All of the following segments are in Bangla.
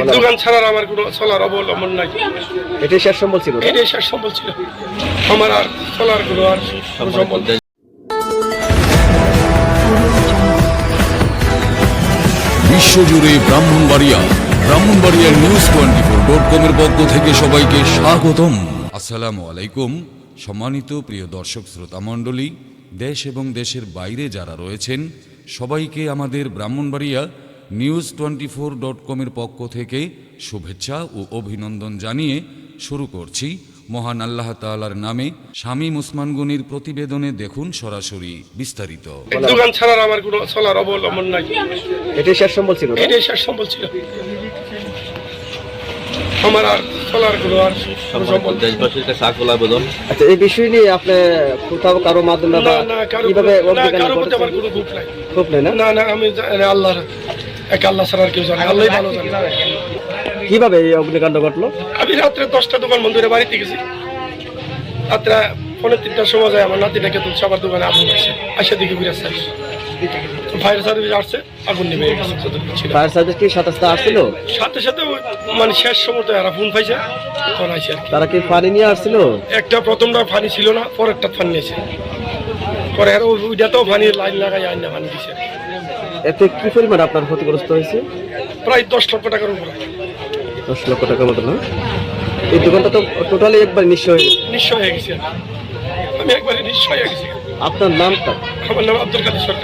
দোকান ছাড়ার আমার কোনো চলার অবলম্বন নাই। এটাই শেষ সম্বল ছিল? এটাই শেষ সম্বল ছিল আমার, আর চলার কোনো আর সম্বল নেই। বিশ্বজুড়ে ব্রাহ্মণবাড়িয়ার news24.com এর পক্ষ থেকে সবাইকে স্বাগতম। আসসালামু আলাইকুম। সম্মানিত প্রিয় দর্শক শ্রোতা মণ্ডলী, দেশ এবং দেশের বাইরে যারা রয়েছেন সবাইকে আমাদের ব্রাহ্মণবাড়িয়া news24.com এর পক্ষ থেকে শুভেচ্ছা ও অভিনন্দন জানিয়ে শুরু করছি মহান আল্লাহ তাআলার নামে। শামীম ওসমান গনির প্রতিবেদনে দেখুন সরাসরি বিস্তারিত। দোকান ছাড়ার আমার কোনো চলার অবলম্বন নাই। এটাই শেষ সম্বল ছিল? এটাই শেষ সম্বল ছিল আমার, আর চলার কোনো আর সম্বল নেই। দেশবাসীর কাছে আকুল আবেদন। আচ্ছা, এই বিষয় নিয়ে আপনি কোথাও কারো মাধ্যমে বা কিভাবে কারো প্রতি আমার কোনো ক্ষোভ নাই। ক্ষোভ নেই না? না না, আমি আল্লাহর এক, আল্লাহ ছাড়া আর কেউ জানে, আল্লাহই ভালো জানে। কিভাবে এই অগ্নিকাণ্ড ঘটলো? আমি রাত্রে 10টা দোকান বন্ধ করে বাড়িতে গেছি। রাত্রে 3:30টার সময় যায় আমার নাতিটাকে তুলছে, আবার দোকানে আগুন আসছে, আসে দিকে ঘুরে আসছে। ফায়ার সার্ভিস আসছে, আগুন নেমে গেছে। ফায়ার সার্ভিস কি সাথে আসছিল? সাথে সাথে মানে শেষ সময় এরা ফোন পাইছে, তখন আসছে। তারা কি পানি নিয়ে আসছিল? একটা প্রথমটা পানি ছিল না, পরেরটা পানি নিয়েছে, পরে আর ওইটাতেও পানি লাইন লাগাই আইন না পানি দিছে। এতে কি পরিমাণ আপনার ক্ষতিগ্রস্ত হয়েছে? প্রায় 10 লক্ষ টাকার উপরে। 10 লক্ষ টাকার মতো না? এই দোকানটা তো টোটালি একবার নিঃস্ব হয়ে গেছে। নিঃস্ব হয়ে গেছে, আমি একবারে নিঃস্ব হয়ে গেছি। আপনার নামটা? আমার নাম আব্দুল কাদের সরকার।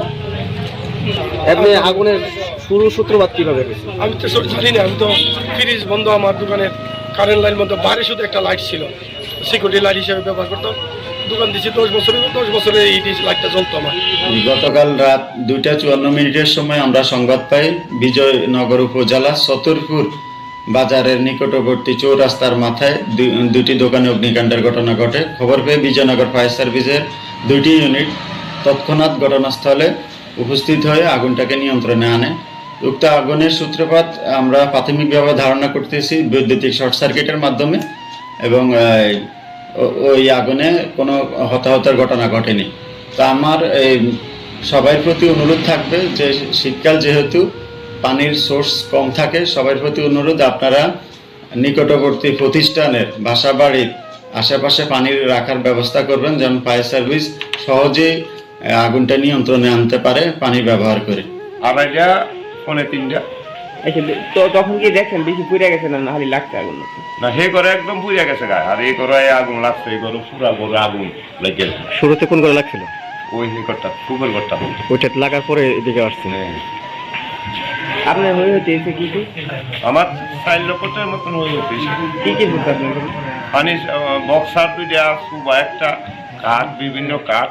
আপনি আগুনের শুরু সূত্রপাত কিভাবে হয়েছে? আমি তো জানি না, আমি তো ফ্রিজ বন্ধ, আমার দোকানের কারেন্ট লাইন বন্ধ, বাইরে শুধু একটা লাইট ছিল, সিকিউরিটি লাইট হিসেবে ব্যবহার করতো। দোকান দিচ্ছি 10 বছরে এই লাইটটা জ্বলতো আমার। গতকাল রাত 2:54 সময় আমরা সংবাদ পাই বিজয়নগর উপজেলা চতুরপুর বাজারের নিকটবর্তী চৌরাস্তার মাথায় দুটি দোকানে অগ্নিকাণ্ডের ঘটনা ঘটে। খবর পেয়ে বিজয়নগর ফায়ার সার্ভিসের 2টি ইউনিট তৎক্ষণাৎ ঘটনাস্থলে উপস্থিত হয়ে আগুনটাকে নিয়ন্ত্রণে আনে। উক্ত আগুনের সূত্রপাত আমরা প্রাথমিকভাবে ধারণা করতেছি বৈদ্যুতিক শর্ট সার্কিটের মাধ্যমে, এবং ওই আগুনে কোনো হতাহতের ঘটনা ঘটেনি। তা আমার সবার প্রতি অনুরোধ থাকবে যে শীতকাল যেহেতু পানির সোর্স কম থাকে, সবার প্রতি অনুরোধ আপনারা নিকটবর্তী প্রতিষ্ঠানের বাসাবাড়ির আশেপাশে পানির রাখার ব্যবস্থা করবেন, যেন ফায়ার সার্ভিস সহজেই আগুনটা নিয়ন্ত্রণে আনতে পারে পানি ব্যবহার করে। 2:30 3:30 তো তখন কি দেখেন বেশি পুড়ে গেছে না খালি লাগছে আগুন? না, হে করে একদম পুড়ে গেছে গায়ে, আর এই করে আগুন লাগছে, এই করে পুরা করে আগুন লেগে। শুরুতে কোন করে লাগছিল? ওই ঘরটা, সুপার ঘরটা, ওইটা লাগার পরে এদিকে আসছে। আপনার হয়ে হচ্ছে কি কি? আমার 4 লক্ষটার মতন হয়ে গেছে। কি কি বুঝতে আপনার? পানি বক্সার 2টা, সুবা একটা, কাঠ, বিভিন্ন কাঠ,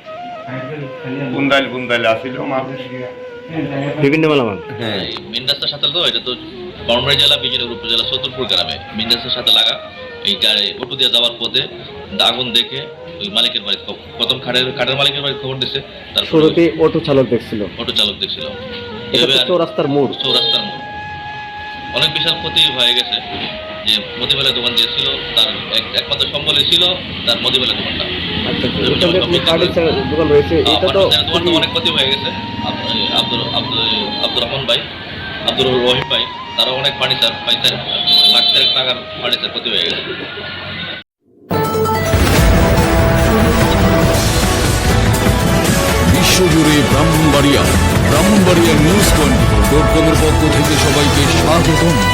বুন্দাইল আসিল মানুষ, বিভিন্ন মালামাল। হ্যাঁ, মেন রাস্তার সাথে তো এটা তো ব্রাহ্মণবাড়িয়া জেলা বিজয়নগর উপজেলা চতুরপুর গ্রামে মেন রাস্তার সাথে লাগা। এই অটো দিয়ে যাওয়ার পথে আগুন দেখে ওই মালিকের বাড়ি, প্রথম কাঠের মালিকের বাড়ি খবর দিছে। তারপর অটো চালক দেখছিল। চৌরাস্তার মোড়। অনেক বিশাল ক্ষতি হয়ে গেছে। যে মদিবেলা দোকান দিয়েছিল তার একমাত্র সম্বলই ছিল তার মদিবেলা দোকানটা। দোকান রয়েছে, এটা তো দোকানটা অনেক ক্ষতি হয়ে গেছে। আব্দুর রহমান ভাই, আব্দুর রহিম ভাই, তারা অনেক ফার্নিচার 5 লাখ টাকার ফার্নিচার ক্ষতি হয়ে গেছে। বিশ্বজুড়ে ব্রাহ্মণবাড়িয়ার news24.com এর পক্ষ থেকে সবাইকে স্বাগতম।